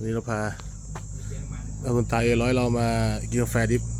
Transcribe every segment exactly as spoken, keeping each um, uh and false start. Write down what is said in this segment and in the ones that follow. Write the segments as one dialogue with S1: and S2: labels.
S1: วันนี้เราพาเอาคนตายเอร้อยเรามากินกาแฟดิบ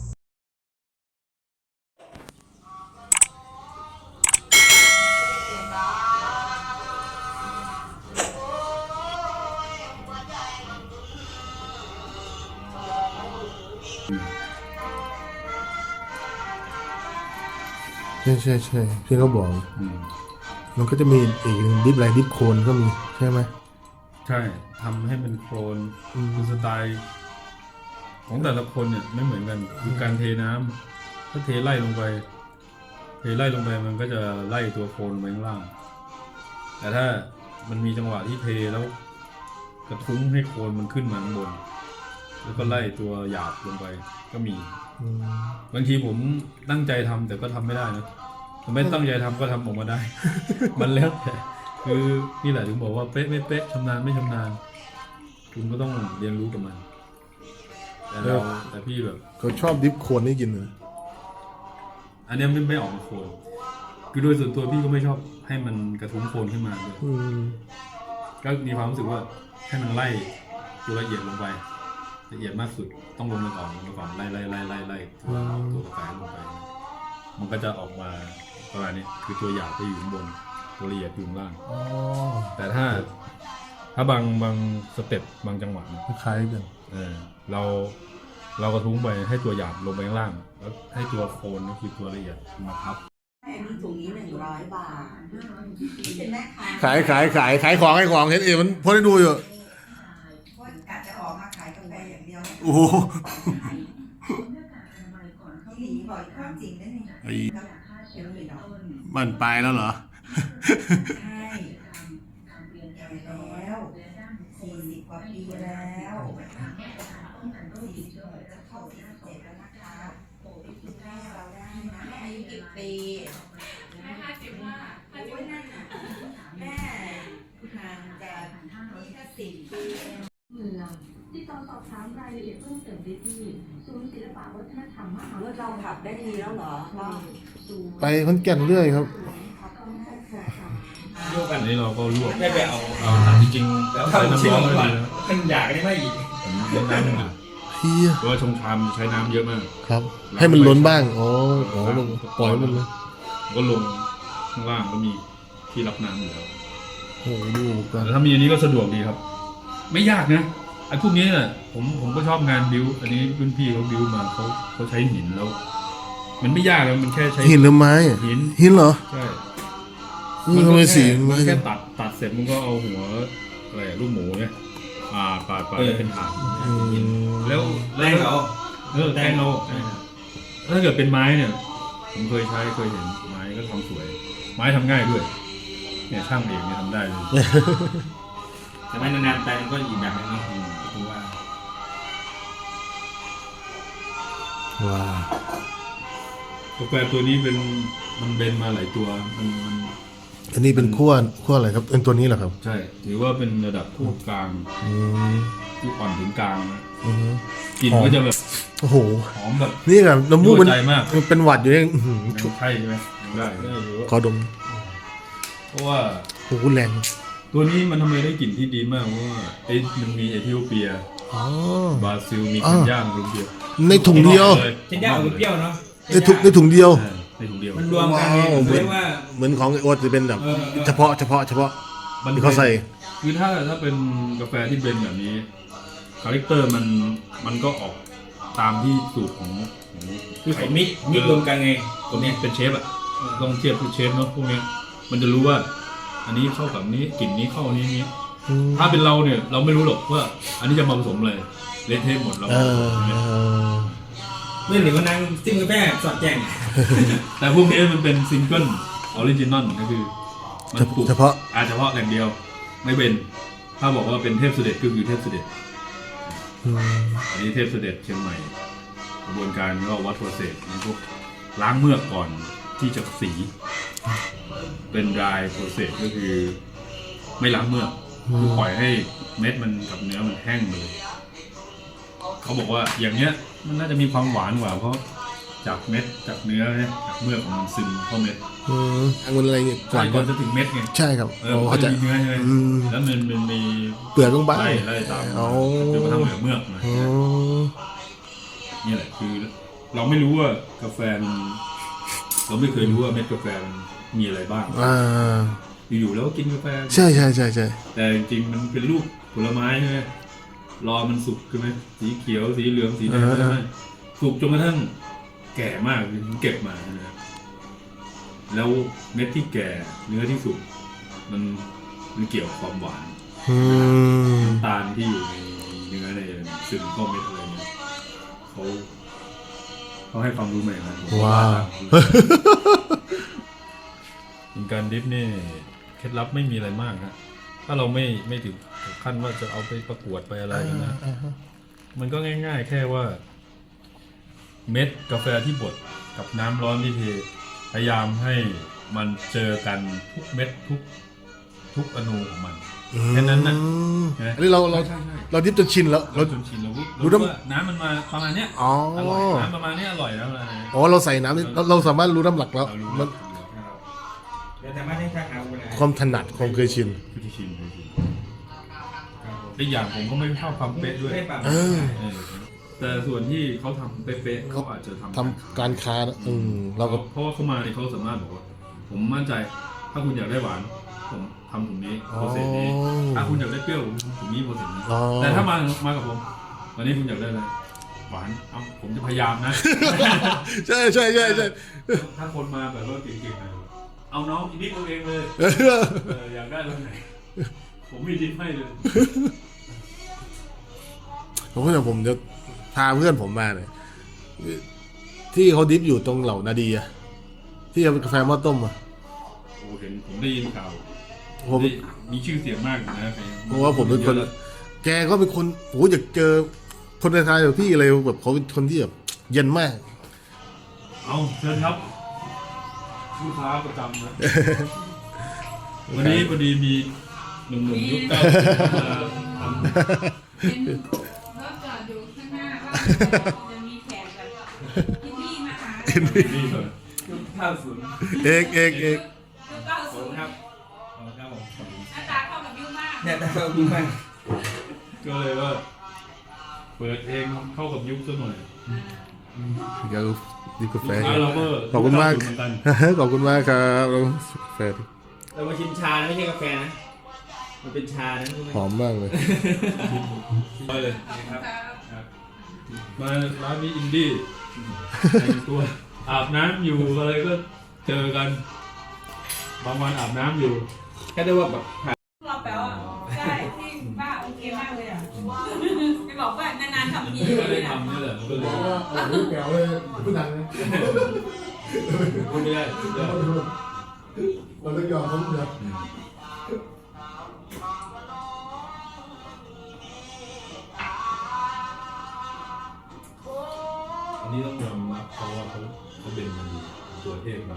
S1: ใช่ใช่ใช่พี่เขาบอกมันก็จะมีอีกดิฟอะไรดิฟโคนก็มีใช่ไหม
S2: ใช่ทำให้เป็นโคลนคือสไตล์ของแต่ละคนเนี่ยไม่เหมือนกันคือการเทน้ำถ้าเทไล่ลงไปเทไล่ลงไปมันก็จะไล่ตัวโคลนไปข้างล่างแต่ถ้ามันมีจังหวะที่เทแล้วกระทุ้งให้โคลนมันขึ้นมาข้างบนแล้วก็ไล่ตัวหยาบลงไปก็มีบางทีผมตั้งใจทำแต่ก็ทำไม่ได้นะไม่ตั้งใจทำก็ทำออกมาได้ มันแล้วแต่คือนี่แหละถึงบอกว่าเป๊ะไม่เป๊ะชำนาญไม่ชำนาญคุณก็ต้องเรียนรู้กับมันแต่เราแต่พี่แบบ
S1: เขาชอบดิฟโคนนี่กินเลย
S2: อันนี้ไม่ไม่ออกมาโคนคือโดยส่วนตัวพี่ก็ไม่ชอบให้มันกระทุ้งโคนขึ้นมาเลยก็มีความรู้สึกว่าให้มันไล่ตัวละเอียดลงไปละเอียดมากสุดต้องลงมาก่อนลงมาก่อนไล่ไล่ไล่ไล่ไล่ตัวตัวกระจายลงไปมันก็จะออกมาประมาณนี้คือตัวหยาบไปอยู่ข้างบนตัวละเอียดอยู่ข้างล่างแต่ถ้าถ้าบางบางสเต็ปบางจังหวะ
S1: คล้ายกัน
S2: เออเราเรากระทุ้งไปให้ตัวหยาบลงไปข้างล่างแล้วให้ตัวโคนก็คือตัวละเอียดมาทับ
S3: อันนี้ถุงนี้หนึ่งร้อยบาทเป็นแม่ค้า
S1: ขายขายขายขายของขายของเห็นเอ๋มันพอได้ดูอยู่
S3: ว่ากะจะออกมาขายกาแฟอย่างเดียว
S1: โอ้โห
S3: หลีบ่อยข้ามจริงได้ไหมไอ้
S1: มันไปแล้วเหรอ
S3: ใช่แก่แล้วสี่สิบกว่าปีแล้วสี่สิบจะเข้าสี่สิบเจ็ดแล้วนะคะแม่เราได้นะแม่อายุกี่ปี
S4: แม่ห้าสิบห้า
S3: โอ้ยนั่นน่ะแม่ห่างจากนี่ก็สิบปี
S5: เมืองติดต่อสอบถามรายละเอียดเพิ่มเติมได้ที่ศูนย์ศิลปะวัฒนธรรมมหาวิทยาลัย
S3: เราขับได้ทีแล้วเหรอ
S1: ไปขอนแก่นเรื่อยครับ
S2: ลวกอันนี้เราก็ลวก
S6: ไม่ไปเอา
S2: จริงๆแล้ว
S6: ใส่น้ำร้อนเลยนะมันอยากได้ไหมอีก
S2: เน้นน้ำหนึ่งอ่ะเพราะว่าชงชามใช้น้ำเยอะมาก
S1: ครับให้มันล้นบ้างอ๋ออ๋อปล่อยมันเลย
S2: ก็ลงข้างล่างก็มีที่รับน้ำอยู่แล้ว
S1: โอ้ดูกัน
S2: แต่ถ้ามีอันนี้ก็สะดวกดีครับไม่ยากนะไอ้พวกนี้น่ะผมผมก็ชอบงานบิวอันนี้รุ่นพี่เขาบิวมาเขาเขาใช้หินแล้วมันไม่ยากเลยมันแค่ใช้
S1: หินหรือไม้
S2: หิน
S1: หินเหรอ
S2: ใช่
S1: มันก็ไม่สี
S2: มันแค่ตัดตัดเสร็จมันก็เอาหัวอะไรลูกหมูเนี่ยอ่าปาดปาดเป็นฐานแล้ว
S6: แรงเอา
S2: เออแรงเอาถ้าเกิดเป็นไม้เนี่ยผมเคยใช้เคยเห็นไม้ก็ทำสวยไม้ทำง่ายด้วยเนี่ยช่างเองเนี่ยทำได้เลย
S6: แต่ไม่นานๆไปมันก็อีกแบบนึงนะคือว่า
S1: ว้าว
S2: กาแฟตัวนี้เป็นมันเบนมาหลายตัวมันมัน
S1: อันนี้เป็นขั้วขั้วอะไรครับเป็นตัวนี้เหรอครับ
S2: ใช่ถือว่าเป็นระดับขั้วกลางที่อ่อนถึงกลางนะกลิ่นก็จะแบบ
S1: โอ้โห
S2: หอมแบบ
S1: นี่แบบน้ำมูกมันเป็นหวัดอยู่เอง
S2: ชุบใช่ใช่ไหมได้
S1: ขอดม
S2: เพราะว่า
S1: โอ้โหแรง
S2: ตัวนี้มันทำไมได้กลิ่นที่ดีมากเพราะว่าไอ้มันมีเอธิโอเปียบราซิลมีเคนยาถุงเดียว
S1: ในถุงเดียว
S6: เคนยาเอาเปรี้ยวเนาะ
S1: ในถุงในถุงเดียว
S2: ในถุงเดียว
S6: มันรวมกันเรียกว่า
S1: เหมือนของโอ๊ตจะเป็นแบบเฉพาะเฉพาะเฉพาะที่เขาใส่
S2: คือถ้าถ้าเป็นกาแฟที่เป็นแบบนี้คาแรคเตอร์มันมันก็ออกตามที่สูตรของ
S6: คือเขามิกมิกรวมกันไง
S2: คนนี้เป็นเชฟอะลองเทียบกับเชฟเนาะพวกนี้มันจะรู้ว่าอันนี้เข้ากับนี้กลิ่นนี้เข้านี้นี้ถ้าเป็นเราเนี่ยเราไม่รู้หรอกว่าอันนี้จะมาผสมอะไรเละเทะหมดเรา
S6: เรื่องหนึ่งก็นั่งซิมกาแฟสอดแจ้ง
S2: แต่พวกนี้มันเป็นซิงเกิลออริจินอลก็คือ
S1: มันปลูกเฉพาะ
S2: อาเฉพาะแหล่งเดียวไม่เป็นถ้าบอกว่าเป็นเทพเสด็จก็คือเทพเสด็จอันนี้เทพเสด็จเชียงใหม่กระบวนการก็วัดโปรเซสพวกล้างเมือกก่อนที่จะสีเป็นดรายโปรเซสก็คือไม่ล้างเมือกคือปล่อยให้เม็ดมันกับเนื้อมันแห้งเลยเขาบอกว่าอย่างเนี้ยมันน่าจะมีความหวานกว่าเพราะจากเม็ดจากเนื้อเนี่ยจากเมือกของมันซึมเข้าเม็ด
S1: อืมองุ่นอะไรเงี้ยก่
S2: ก่
S1: อ
S2: อน นก่อนจะถึงเม็ดไง
S1: ใช่ครับ
S2: เออ
S1: อ๋อ
S2: มัน
S1: เขา
S2: ก็
S1: ใจะ
S2: จะมีเนื้อใช่ไหม
S1: อืม
S2: แล้วมันมันมี
S1: เปลือกบ้าง
S2: ไล่ไล่ตาม
S1: อ๋อ
S2: จนกระทั่งเหลือเมือกมา
S1: อ๋อ
S2: นี่แหละคือ เราไม่รู้ว่ากาแฟมันเราไม่เคยรู้ว่าเม็ดกาแฟมันมีอะไรบ้าง
S1: อ่า
S2: อยู่ๆแล้วก็กินกาแฟ
S1: ใช่ใช่ใช่ใช่
S2: แต่จริงๆมันเป็นลูกผลไม้ใช่ไหมรอมันสุกใช่ไหมสีเขียวสีเหลืองสีแดงใช่ไหมสุกจนกระทั่งแก่มากถึงเก็บมานะครับแล้วเม็ดที่แก่เนื้อที่สุกมันมันเกี่ยวกับความหวาน
S1: อืม
S2: น้ำตาลที่อยู่ในเนื้อในซึมเข้าเม็ดอะไรเนี่ยเขาเขาให้ความรู้ใหม่มาผม
S1: ว้าว
S2: การดิฟนี่เคล็ดลับไม่มีอะไรมากนะถ้าเราไม่ไม่ถึงขั้นว่าจะเอาไปประกวดไปอะไรกันนะ มันก็ง่ายๆ แค่ว่า เม็ดกาแฟที่บดกับน้ำร้อนที่เทพยายามให้มันเจอกันทุกเม็ดทุกทุกอนูของมัน แค่นั้นน่ะ
S1: อืมอันนี้เราเรา
S2: ใช่ใช่
S1: เราดิบจนชินแล้ว
S2: เรา
S1: เรา
S2: จนชินเรารู้
S1: รู้
S2: รู้
S1: น้ำ
S2: ว่าน้ำมันมาประมาณเนี้ย
S1: อ๋อ
S2: อร่อยน้ำประมาณเนี้ยอร่อยแล้วอะไร
S1: อ๋อเราใส่น้ำนี่เราเราสามารถรู้น้ำหลักแล้ว
S2: เรารู้
S1: มัน
S6: เดี๋ยวแต่ไม่ได้ชักเอาเวลา
S1: ความถนัดความเคยชิน
S2: คือที่ชินคือชินอีกอย่างผมก็ไม่ชอบความเป๊ะด้วย
S6: ไม่ปรับ
S1: เออ
S2: เออแต่ส่วนที่เขาทำเป๊ะๆเขาอาจจะทำ
S1: ทำการค้านะอืมเราก็
S2: เพราะว่าเขามาเนี่ยเขาสามารถบอกว่า ผมมั่นใจ ถ้าคุณอยากได้หวาน ผมทำถุงนี้โปรเซสนี้ ถ้าคุณอยากได้เปรี้ยวผมทำถุงนี้โปรเซสนี้
S1: อ๋อ
S2: แต่ถ้ามามากับผมวันนี้คุณอยากได้อะไรหวานเอ้าผมจะพยายามนะ
S1: ใช่ใช่ใช่ใช่
S2: ถ้าคนมาแบบว่าเก่งๆหน่อยเอาน้องอีกนิดเอาเองเลย
S1: เออ
S2: เอออยากได้รสไหน ผมมีทิปให้เลย
S1: ผมก็จะผมจะพาเพื่อนผมมาเนี่ยที่เขาดิฟอยู่ตรงเหล่านาดีอะที่เอากาแฟหม้อต้มอะ
S2: โอ้เห็นผมได้ยินข่าว
S1: ผม
S2: ได้มีชื่อเสียงมากอยู่นะ
S1: เพราะว่าผมเป็นคน แกก็เป็นคนโอ้อยากเจอคนในไทยแบบพี่อะไรแบบเขาเป็นคนที่แบบเย็นมาก
S2: เอาเชิญครับลูกค้าประจำนะ วันนี้พอดีมีหนุ่มๆยุคเก้าสิบมาทำ
S4: เป็นรถจอดอยู่ข้างหน้าว่าจะมีแขกแบบที่นี่มาหา
S2: นี่ก่อน
S6: ข้าวศูนย์
S1: เอกเอกเอก
S4: คือเก้า
S6: ศู
S4: ศู
S6: น
S4: น
S6: ย์
S4: ย์
S6: ครับ
S2: เอาครับผม
S4: หน้าตาเข้ากับยูมาก
S6: เนี่ยแต่เราดูมาก
S2: ก็เลยว่า เปิดเองเข้ากับยุคซะหน่อย
S1: เดี๋ยวดิฟกาแฟ
S2: ลูกค้าเราก็
S1: ขอบคุณมาก
S2: เหมือนกัน
S1: ขอบคุณมากครับเราแฟน
S6: เรามาชิมชานะไม่ใช่กาแฟนะ มันเป็นชานะรู้ไหม
S1: หอมมากเลย
S2: ไปเลย
S6: นะครับ
S2: ครับมาร้านนี้อินดี้แต่งตัวอาบน้ำอยู่อะไรก็เจอกัน บางวันอาบน้ำอยู่
S6: แค่ได้ว่าแบบผ่าน
S4: เราแปลว่าใช่ที่ป้าโอเคมากเลยอ่ะไปบอกว่านานๆทำที
S2: ก็
S4: เล
S2: ได้
S4: ยนะ
S2: ทำนี่แหละมันก็เลย
S1: แก้วเลยพูดดังเลย
S2: พูดไม่ได้พูดไม่ได้
S1: เราต้องยอมเขาเถอะ
S2: อันนี้ต้องยอมรับเพราะว่าเขาเขาเป็นมันตัวเทพมา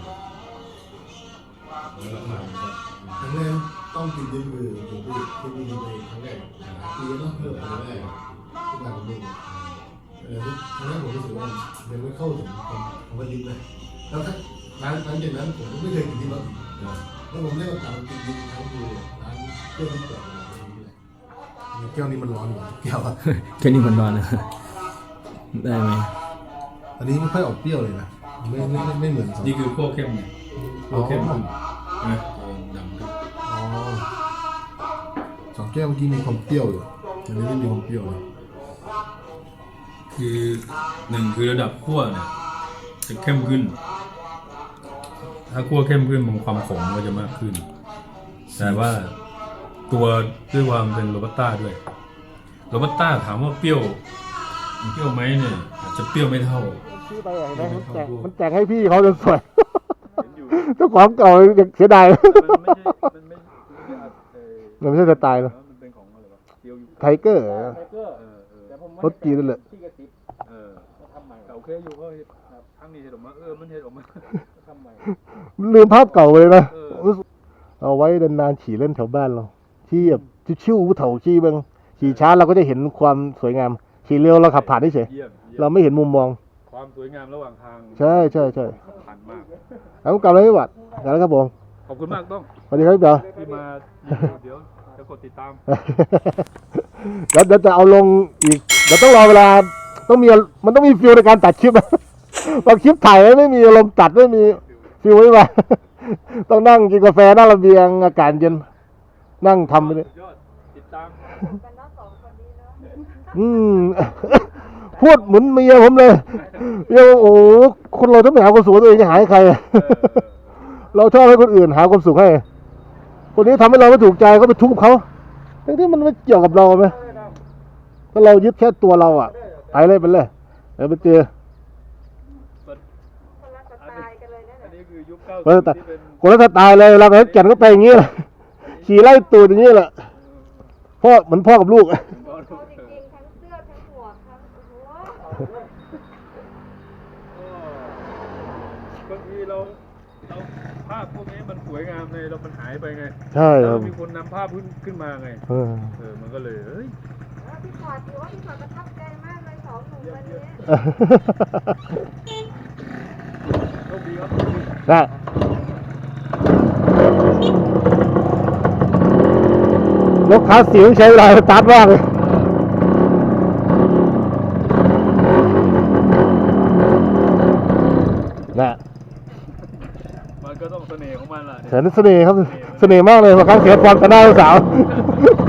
S2: แล้วราคามันก็
S1: ครั้งแรกต้องกินด้วยมือผมพี่ที่มีดีเลยครั้งแรกคือต้องเพิ่มครั้งแรกทุกอย่างผมดูเออครั้งแรกผมรู้สึกว่ายังไม่เข้าถึงความความว่าดิบเลยแล้วถ้าร้านหลังจากนั้นผมก็ไม่เคยกินดิบแล้วแล้วผมได้โอกาสกินดิบครั้งคือร้านเพื่อนที่เปิดมาตรงนี้แหละแก้วนี้มันร้อนอยู่แก้วอะ
S7: แค่นี้มันร้อนนะได้ไหม
S1: อันนี้ไม่ค่อยออกเปรี้ยวเลยนะไม่ไม่ไม่ไม่เหมือนสอง
S2: นี่คือพวกเข้มเนี่ยพวกเข้มขึ้นนะดำขึ้น
S1: อ๋อสองแก้วเมื่อกี้มีความเปรี้ยวอยู่อันนี้ไม่มีความเปรี้ยวเลย
S2: คือหนึ่งคือระดับขั้วเนี่ยจะเข้มขึ้น ถ้าขั้วเข้มขึ้นมันความขมก็จะมากขึ้น แต่ว่าตัวด้วยความเป็นโรบัสต้าด้วยโรบัสต้าถามว่าเปรี้ยวเปรี้ยวไหมเนี่ยอาจจะเปรี้ยวไม่เท่า
S1: พี่ไปอย่างนั้นมันแจกมันแจกให้พี่เขาจนสวยเจ้าของเก่ายังเสียดาย
S2: มันไม่ใช่มันไม่
S1: มันไม่ใช่สไตล์หรอ
S2: มันเป็นของอะไรวะเดียวอยู่
S1: ไทเกอร์
S2: เออเออ
S1: รถจีนนั่นแหละ
S2: เออทำใหม่โอเคอยู่ก็ทั้งนี้เห็นออกมาเออมันเห็นออกมาทำใหม่
S1: ลืมภาพเก่าไปเลยนะ
S2: เออ
S1: เอาไว้นานๆขี่เล่นแถวบ้านเราที่แบบชิวๆผู้เฒ่าขี่เบิ้งขี่ช้าเราก็จะเห็นความสวยงามขี่เร็วเราขับผ่านเฉย
S2: เยี่ยม
S1: เราไม่เห็นมุมมอง
S2: เความสวยงามระหว่างทาง
S8: ใช่ใช่ใช่
S2: สำคัญมาก
S8: เอากลับเลยพี่บัตรกลับแล้วครับผม
S2: ขอบคุณมากต้อง
S8: สวัสดีครับพี่เบล
S2: ที่มาเดี๋ยวจะกดติดตาม
S8: เดี๋ยวเดี๋ยวจะเอาลงอีกเดี๋ยวต้องรอเวลาต้องมีมันต้องมีฟิลในการตัดคลิป บางคลิปถ่ายไม่มีอารมณ์ตัดไม่มีฟิลไม่มา ต้องนั่งกินกาแฟหน้าระเบียงอากาศเย็นนั่งทำไปเลย
S2: ยอดติดตาม
S8: อืม พูดเหมือนเมียผมเลยเมียโอ้โหคนเราถ้าไม่หาความสุขตัวเองจะหาให้ใคร เราชอบให้คนอื่นหาความสุขให้ คนนี้ทำให้เราไม่ถูกใจก็ไปทุกข์กับเขาทั้งที่มันไม่เกี่ยวกับเราไหมถ้าเรายึดแค่ตัวเราอ่ะไปเลยไปเลยเดี๋ยวไปเจอ
S2: อันนี้คือยุคเก้า
S8: คนละ
S2: สิบ
S8: แต่
S2: ที่เป็น
S8: คนละสไตล์เลยเราไปแก่นก็ไปอย่างนี้แหละขี่ไล่ตูดอย่างนี้แหละพ่อเหมือนพ่อกับลูก
S2: ก็
S5: จริงๆทั้งเสื้อทั้งหมวกทั้งโอ้โห
S2: บางทีเราเราภาพพวกนี้มันสวยงามในเรามันหายไปไง
S8: ใช่ค
S2: แล้
S8: รั
S2: ว
S8: บ
S2: มีคนนำภาพขึ้นขึ้นมาไง
S8: เออ
S2: เออมันก็เลยเฮ้ย
S5: แล้วพี่ขอดถือว่าพี่ขอดประทับใจมากเลยสองหนุ่มวันนี้
S2: โชคดีครับ
S8: ได้รถคลาสสิกใช้เวลาสตาร์ทมากเลยนะ
S2: มันก็ต้องเสน่ห์ของมันล่ะ
S8: เสน่ห์เสน่ห์ครับ เสน่ห์มากเลยบางครั้งเสียความต่อหน้าลูกสาว